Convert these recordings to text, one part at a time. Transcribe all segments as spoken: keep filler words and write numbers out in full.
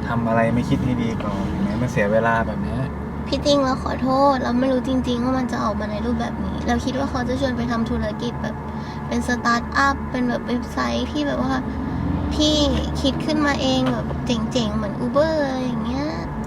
ทำอะไรไม่คิดให้ดีก่อนเห็นไหมมันเสียเวลาแบบนี้พี่ติงเราขอโทษเราไม่รู้จริงๆว่ามันจะออกมาในรูปแบบนี้ เราคิดว่าเขาจะชวนไปทำธุรกิจแบบเป็นสตาร์ทอัพเป็นแบบเว็บไซต์ที่แบบว่าพี่คิดขึ้นมาเองแบบเจ๋งๆเหมือน Uber อะไรอย่างเงี้ย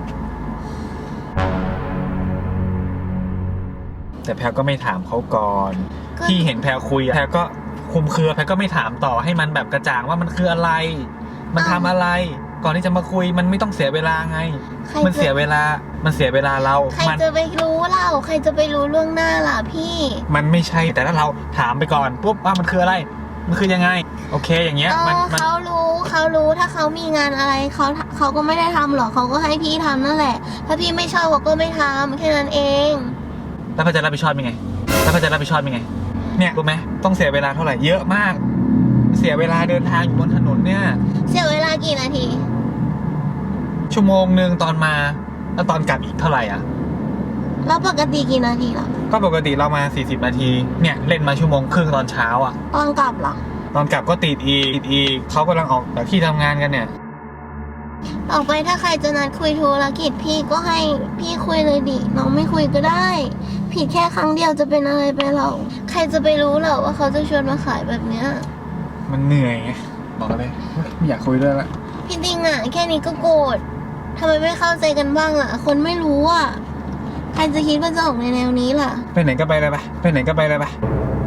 แต่แพลก็ไม่ถามเขาก่อนที่เห็นแพลคุยแพลก็คุมเครือแพลก็ไม่ถามต่อให้มันแบบกระจ่างว่ามันคืออะไรมันทำอะไรก่อนที่จะมาคุยมันไม่ต้องเสียเวลาไงมันเสียเวลามันเสียเวลาเราใครจะไปรู้เล่าใครจะไปรู้ล่วงหน้าล่ะพี่มันไม่ใช่แต่ถ้าเราถามไปก่อนปุ๊บว่ามันคืออะไรมันคือยังไงโอเคอย่างเงี้ยมันเขารู้เขารู้ถ้าเขามีงานอะไรเขาเขาก็ไม่ได้ทำหรอกเขาก็ให้พี่ทำนั่นแหละถ้าพี่ไม่ชอบเขาก็ไม่ทำแค่นั้นเองแล้วพระจะรับผิดชอบยังไงแล้วพระจะรับผิดชอบยังไงเนี่ยรู้ไหมต้องเสียเวลาเท่าไหร่เยอะมากเสียเวลาเดินทางอยู่บนถนนเนี่ยเสียเวลากี่นาทีชั่วโมงหนึ่งตอนมาแล้วตอนกลับอีกเท่าไหร่อ่ะแล้วปกติกี่นาทีล่ะก็ปกติเรามาสี่สิบนาทีเนี่ยเล่นมาชั่วโมงครึ่งตอนเช้าอ่ะตอนกลับล่ะตอนกลับก็ติดอีกติดอีกเขากำลังออกจากที่ทำงานกันเนี่ยออกไปถ้าใครจะนัดคุยธุรกิจพี่ก็ให้พี่คุยเลยดิน้องไม่คุยก็ได้ผิดแค่ครั้งเดียวจะเป็นอะไรไปหรอกใครจะไปรู้หรอว่าเขาจะชวนมาขายแบบเนี้ยมันเหนื่อยไงบอกเลยไม่อยากคุยด้วยละพี่ติงอ่ะแค่นี้ก็โกรธทำไมไม่เข้าใจกันบ้างล่ะคนไม่รู้อ่ะใครจะคิดว่าจะออกในแนวนี้ล่ะไปไหนก็ไปเลยไปไปไหนก็ไปเลยไป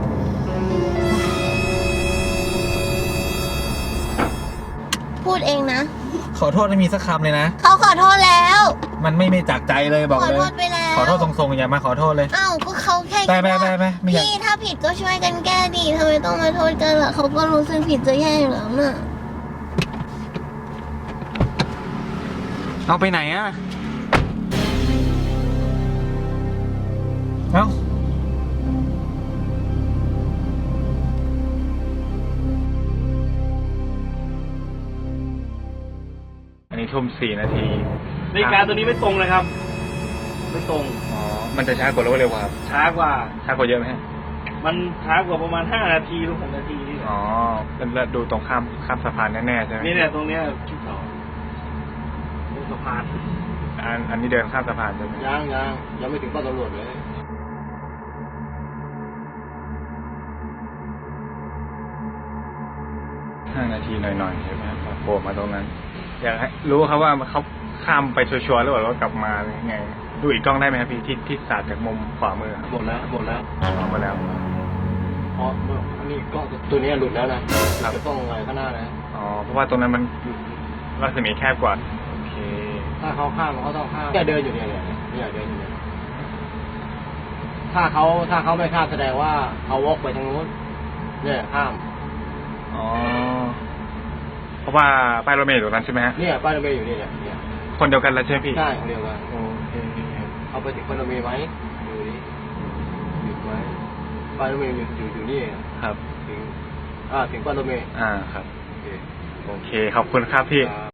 พูดเองนะขอโทษไม่มีสักคำเลยนะเขาขอโทษแล้วมันไม่ไม่จากใจเลยบอกเลยขอโทษไปแล้วขอโทษตรงๆอย่ามาขอโทษเลยอ้าวก็เขาแค่ไปไปไปไปพี่ถ้าผิดก็ช่วยกันแก้ดิทำไมต้องมาโทษกันล่ะเขาก็รู้สึกผิดจะแย่อยู่แล้วน่ะเอาไปไหนอ่ะเอ้าอันนี้ทุ่มสี่นาทีนาฬิกาตัวนี้ไม่ตรงเลยครับไม่ตรงอ๋อมันจะช้ากว่าหรือว่าเร็วกว่าครับช้ากว่าช้ากว่าเยอะไหมฮะมันช้ากว่าประมาณห้านาทีหรือหกนาทีนี่อ๋อแล้วดูตรงข้ามข้ามสะพานแน่ๆใช่ไหมนี่เนี่ยตรงเนี้ยที่สองตรงสะพานอันอันนี้เดินข้ามสะพานใช่ไหมยังยังยังไม่ถึงป้อมตำรวจเลยห้านาทีหน่อยๆใช่ไหมโผล่มาตรงนั้นอยากให้รู้ครับว่าเขาข้ามไปชัวร์ๆหรือเปล่าว่ากลับมาหรือไงดูอีกกล้องได้ไหมครับพี่ที่ที่สาดจากมุมขวามือหมดแล้วหมดแล้วหมดแล้วอ๋ออันนี้กล้องตัวนี้หลุดแล้วนะจะต้องอะไรข้างหน้านะอ๋อเพราะว่าตรงนั้นมันรัศมีแคบกว่าโอเคถ้าเขาข้ามเขาต้องข้ามเนี่ยเดินอยู่เนี่ยเนี่ยเนี่ยเดินอยู่เนี่ยถ้าเขาถ้าเขาไม่ข้ามแสดงว่าเขาวกไปทางนู้นเนี่ยข้ามอ๋อเพราะว่าป้ายรถเมล์อยู่ตรงนั้นใช่ไหมฮะเนี่ยป้ายรถเมล์อยู่นี่เนี่ยคนเดียวกันแล้วใช่ไหมพี่ใช่คนเดียวกันโอเคเอาไปถึงป้ายรถเมล์ไหมดูดิหยุดไหมป้ายรถเมล์อยู่อยู่อยู่นี่ครับถึงอ่าถึงป้ายรถเมล์อ่าครับโอเคขอบคุณครับพี่